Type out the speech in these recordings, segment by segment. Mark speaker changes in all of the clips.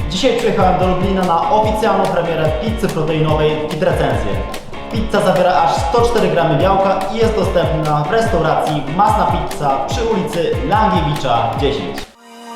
Speaker 1: Dzisiaj przyjechałem do Lublina na oficjalną premierę pizzy proteinowej Fit Recenzję. Pizza zawiera aż 104 gramy białka i jest dostępna w restauracji Masna Pizza przy ulicy Langiewicza 10.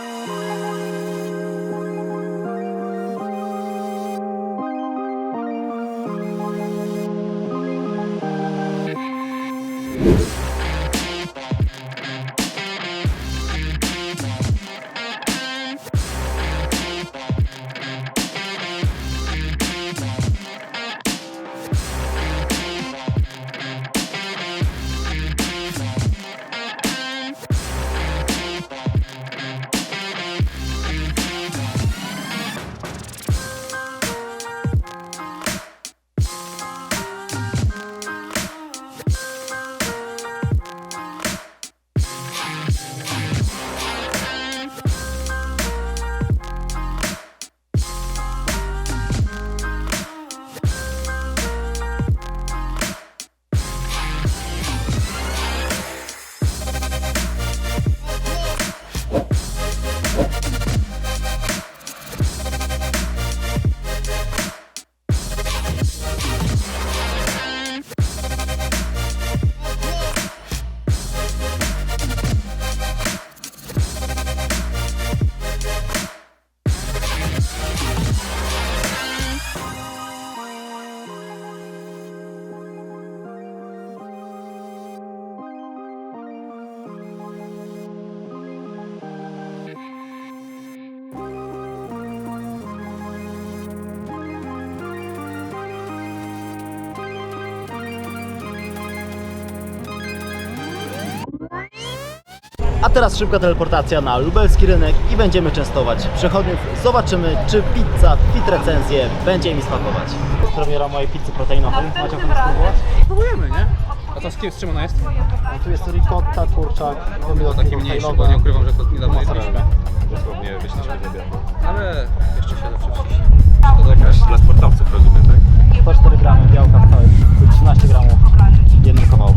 Speaker 1: A teraz szybka teleportacja na lubelski rynek i będziemy częstować przechodniów. Zobaczymy, czy pizza Fit Recenzję będzie mi smakować. To jest premiera mojej pizzy proteinowej. Macie ochotę spróbować?
Speaker 2: Próbujemy, nie? A to z czym ona jest?
Speaker 1: Tu jest ricotta, kurczak, pomidor
Speaker 2: Taki mniejszy, bo nie ukrywam, że to niedawno jedliśmy.
Speaker 3: Dosłownie wyszliśmy z obiadu.
Speaker 2: Ale jeszcze się zawsze przyjść.
Speaker 3: To jakaś dla sportowców, rozumiem, tak?
Speaker 1: 104 gramy białka w całej pizzy, 13 gramów w jednym kawałku.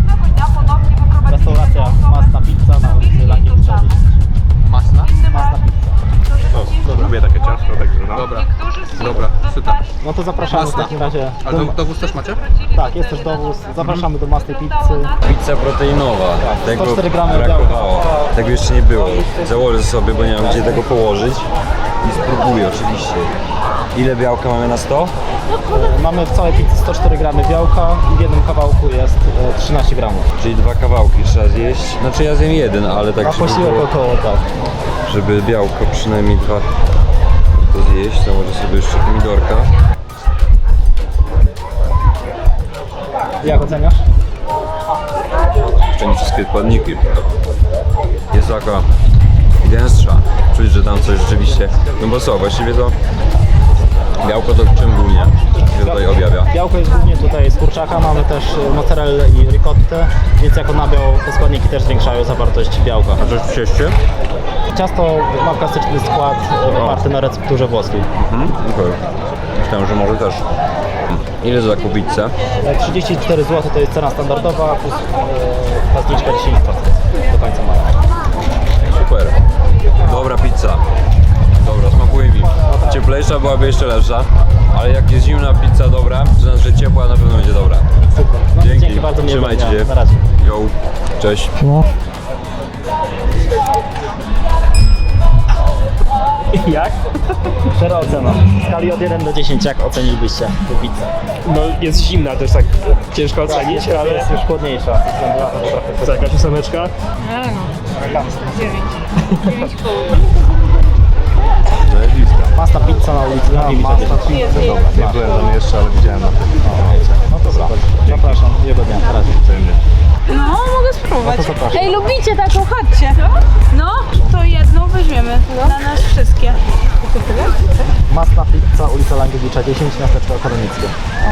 Speaker 1: Restauracja Masna Pizza na ulicy Langiewicza 10.
Speaker 2: Masna?
Speaker 1: Masna Pizza.
Speaker 3: To lubię takie ciasto, także no.
Speaker 2: Dobra, super.
Speaker 1: No to zapraszamy w takim razie.
Speaker 2: Ale dowóz też macie?
Speaker 1: Tak, jest też dowóz. Zapraszamy do Masnej Pizzy.
Speaker 4: Pizza proteinowa, tego
Speaker 1: 104 gramy
Speaker 4: brakowało. Tego jeszcze nie było. Założę sobie, bo nie mam gdzie tego położyć i spróbuję oczywiście. Ile białka mamy na 100?
Speaker 1: Mamy w całej pizzy 104 gramy białka i w jednym kawałku jest 13 gramów.
Speaker 4: Czyli 2 kawałki trzeba zjeść. Znaczy ja zjem jeden, ale tak
Speaker 1: A
Speaker 4: żeby,
Speaker 1: posiłek
Speaker 4: było,
Speaker 1: około tak.
Speaker 4: żeby białko przynajmniej 2 to zjeść, to może sobie jeszcze pomidorka.
Speaker 1: Jak oceniasz?
Speaker 4: Szczęście wszystkie składniki. Jest taka gęstsza. Czuć, że tam coś rzeczywiście... No bo co, właściwie to białko to w czym głównie się tutaj objawia?
Speaker 1: Białko jest głównie tutaj z kurczaka, mamy też mozzarellę i ricottę, więc jako nabiał te składniki też zwiększają zawartość białka.
Speaker 4: A coś w cieście?
Speaker 1: Ciasto ma klasyczny skład oparty na recepturze włoskiej.
Speaker 4: Okej. Myślałem, że może też. Ile za taką pizzę?
Speaker 1: 34 zł to jest cena standardowa, plus ta zniżka 10% do końca maja.
Speaker 4: Super. Dobra pizza. Dobra, smakuje mi. Cieplejsza byłaby jeszcze lepsza, ale jak jest zimna pizza dobra, to znaczy, że ciepła na pewno będzie dobra.
Speaker 1: Super. No,
Speaker 4: Dzięki.
Speaker 1: bardzo, miłego
Speaker 4: Trzymajcie
Speaker 1: dnia.
Speaker 4: się.
Speaker 1: Na razie.
Speaker 4: Yo. Cześć.
Speaker 1: Jak? Szczera ocena. W skali od 1 do 10 jak ocenilibyście tę pizzę?
Speaker 5: No jest zimna, to jest tak ciężko ocenić, ale
Speaker 1: jest już chłodniejsza.
Speaker 5: to jakaś ósemeczka.
Speaker 1: Masna Pizza na ulicy Langiewicza 10.
Speaker 3: Nie byłem tam jeszcze, ale widziałem na tym.
Speaker 1: No dobra. Zapraszam. Miłego dnia. Na razie.
Speaker 6: No, mogę spróbować.
Speaker 1: No to zapraszam.
Speaker 6: Ej, lubicie taką? Chodźcie. No, to jedną weźmiemy. Dla nas wszystkie.
Speaker 1: Masna Pizza, ulica Langiewicza 10, miasteczko akademickie.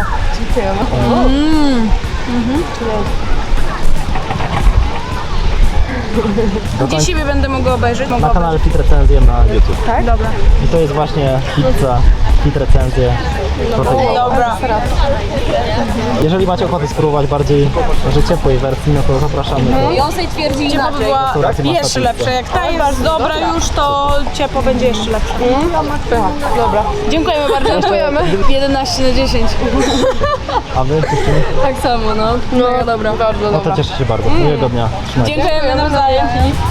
Speaker 6: Gdzie siebie będę mogła obejrzeć?
Speaker 1: Na kanale Fit Recenzję na YouTube.
Speaker 6: Tak? Dobra.
Speaker 1: I to jest właśnie pizza fit recenzję.
Speaker 6: Dobra.
Speaker 1: Jeżeli macie ochotę spróbować bardziej może ciepłej wersji, no to zapraszamy.
Speaker 6: I on sobie twierdzi inaczej. By była
Speaker 1: Restauracja Masna
Speaker 6: jeszcze
Speaker 1: Pizza.
Speaker 6: lepsza. Jak ta jest dobra już, to ciepło będzie jeszcze lepsze. Dobra. Dziękujemy bardzo. Dziękujemy. 11 na 10.
Speaker 1: A wy? Dziewczyny?
Speaker 6: Tak samo, no. No dobra. Bardzo
Speaker 1: No to cieszę się bardzo. Miłego dnia. Trzymajcie.
Speaker 6: Dziękujemy nawzajem.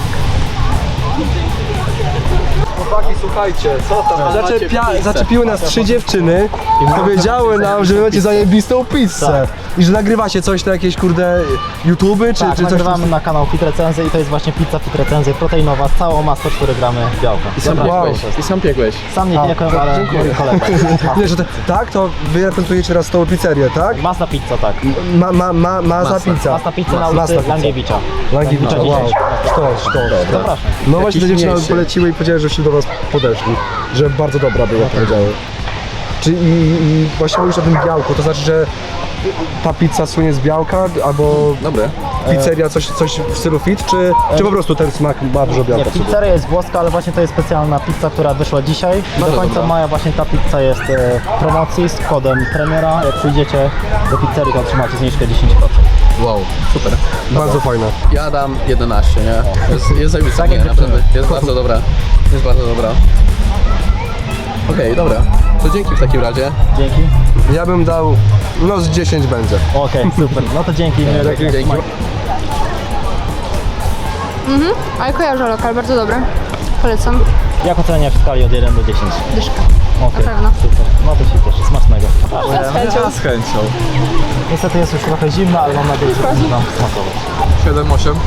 Speaker 2: Chłopaki, słuchajcie, co tam
Speaker 5: Zaczepiły nas 3 dziewczyny i powiedziały nam, że wy macie zajebistą pizzę. I że nagrywacie coś na jakieś kurde YouTube'y,
Speaker 1: Tak,
Speaker 5: czy coś
Speaker 1: nagrywamy na kanał Fit Recenzje i to jest właśnie pizza Fit Recenzje proteinowa, całą ma 104 gramy białka.
Speaker 2: I sam piekłeś.
Speaker 1: Sam nie piekłem, ale mój kolega.
Speaker 5: Nie, że tak, to wy reprezentujecie teraz tą pizzerię, tak?
Speaker 1: Masna Pizza, tak.
Speaker 5: Masa pizza.
Speaker 1: Masna Pizza na
Speaker 5: Masna
Speaker 1: ulicy
Speaker 5: pizza.
Speaker 1: Langiewicza.
Speaker 5: Langiewicza, wow.
Speaker 1: 10.
Speaker 5: Sztos.
Speaker 1: Zapraszam.
Speaker 5: No właśnie te dziewczyny
Speaker 2: mniejszy.
Speaker 5: poleciły i powiedziały, że się do was podeszli. Że bardzo dobra była, powiedziały. Czy i właśnie mówisz o tym białku, to znaczy, że ta pizza słynie z białka, albo
Speaker 2: Dobre.
Speaker 5: pizzeria coś w stylu fit, czy po prostu ten smak ma dużo
Speaker 1: Nie,
Speaker 5: białka? w sobie?
Speaker 1: pizzeria jest włoska, ale właśnie to jest specjalna pizza, która wyszła dzisiaj. I do
Speaker 2: Bardzo
Speaker 1: końca
Speaker 2: dobra.
Speaker 1: maja właśnie ta pizza jest w promocji z kodem premiera. Jak przyjdziecie do pizzerii, to otrzymacie zniżkę 10%.
Speaker 2: Wow, super.
Speaker 5: Bardzo fajne.
Speaker 2: Ja dam 11, nie? Jest zajebista,
Speaker 1: Tak jak
Speaker 2: nie,
Speaker 1: dziewczyny.
Speaker 2: naprawdę. Jest bardzo dobra. Jest bardzo dobra. Okej, dobra. To dzięki w takim razie.
Speaker 1: Dzięki.
Speaker 5: Ja bym dał, no z 10 będzie.
Speaker 1: Okej, super. No to dzięki.
Speaker 2: Dzięki.
Speaker 7: Ale kojarzę lokal, bardzo dobry. Polecam.
Speaker 1: Jak oceniasz w skali od 1 do 10?
Speaker 7: Dyszka.
Speaker 1: Okej,
Speaker 7: Na pewno.
Speaker 1: super. No to się cieszę. Smacznego.
Speaker 2: Z chęcią.
Speaker 1: Niestety jest już trochę zimno, ale mam nadzieję, że będzie Wam smakować.
Speaker 2: 7-8.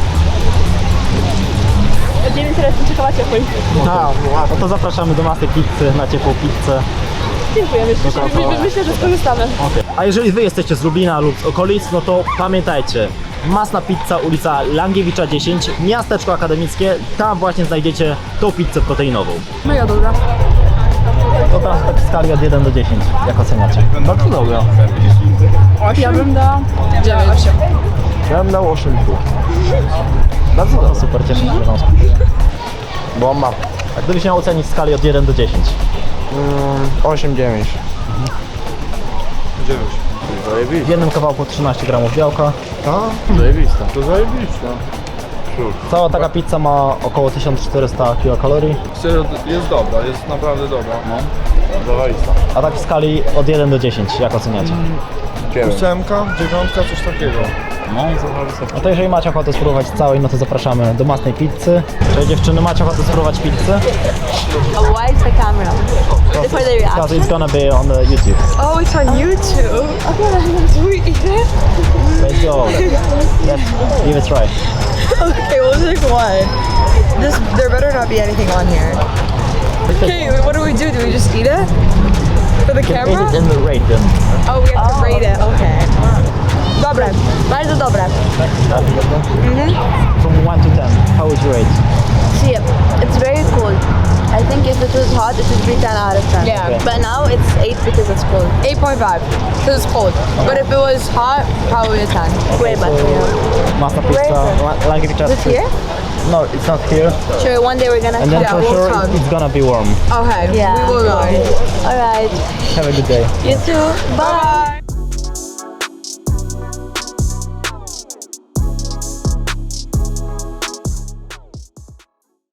Speaker 1: Tak, no to zapraszamy do Masy Pizzy na ciepłą pizzę.
Speaker 6: Dziękujemy. Myślę, że skorzystamy.
Speaker 1: Okay. A jeżeli wy jesteście z Lublina lub z okolic, no to pamiętajcie, Masna Pizza, ulica Langiewicza 10, miasteczko akademickie, tam właśnie znajdziecie tą pizzę proteinową.
Speaker 7: Mega dobra.
Speaker 1: To teraz tak w skali od 1 do 10, jak oceniacie? Bardzo dobra.
Speaker 7: Ja bym dała 9.
Speaker 5: Ja bym dał 8,5.
Speaker 1: Bardzo dobra. Super, cieszę się, że wam
Speaker 5: Bomba.
Speaker 1: A gdybyś miał ocenić w skali od 1 do 10?
Speaker 5: 8,9.
Speaker 1: W jednym kawałku 13 gramów białka.
Speaker 2: Zajebista.
Speaker 1: Cała taka pizza ma około 1400 kilokalorii.
Speaker 3: Jest dobra, jest naprawdę dobra. No.
Speaker 1: A tak w skali od 1 do 10, jak oceniacie?
Speaker 3: 8, 9, coś takiego.
Speaker 1: No to jeżeli macie ochotę spróbować całej, no to zapraszamy do Masnej Pizzy. Cześć dziewczyny, macie ochotę spróbować pizzę?
Speaker 8: Why is the camera? For the
Speaker 1: Because
Speaker 8: reaction?
Speaker 1: it's gonna be on the YouTube.
Speaker 8: Oh, it's on YouTube. Do we eat it?
Speaker 1: Let's go. Let's give it a try.
Speaker 8: Okay, we'll take one. There better not be anything on here. Okay, what do? Do we just eat it? For the
Speaker 1: Eat
Speaker 8: camera?
Speaker 1: it and rate them.
Speaker 8: Oh, we have to rate it. Okay. Dobre. Bardzo dobre.
Speaker 1: From 1 to 10, how would you rate?
Speaker 8: See, it's very cold. I think if it was hot, it would be 10 out of 10.
Speaker 7: Yeah.
Speaker 8: But now it's 8 because it's cold.
Speaker 7: 8.5. Because it's cold. But if it was hot, probably a 10.
Speaker 8: Way better. Yeah.
Speaker 1: Masna
Speaker 8: Where
Speaker 1: Pizza,
Speaker 8: is it?
Speaker 1: Langiewicza.
Speaker 8: Is it here?
Speaker 1: No, it's not here.
Speaker 8: Sure, one day we're gonna
Speaker 1: And then
Speaker 7: Yeah,
Speaker 1: for
Speaker 7: we'll
Speaker 1: sure
Speaker 7: come.
Speaker 1: it's gonna be warm.
Speaker 7: Okay,
Speaker 8: Yeah.
Speaker 7: we will go.
Speaker 8: Alright.
Speaker 1: Have a good day.
Speaker 8: You too. Bye.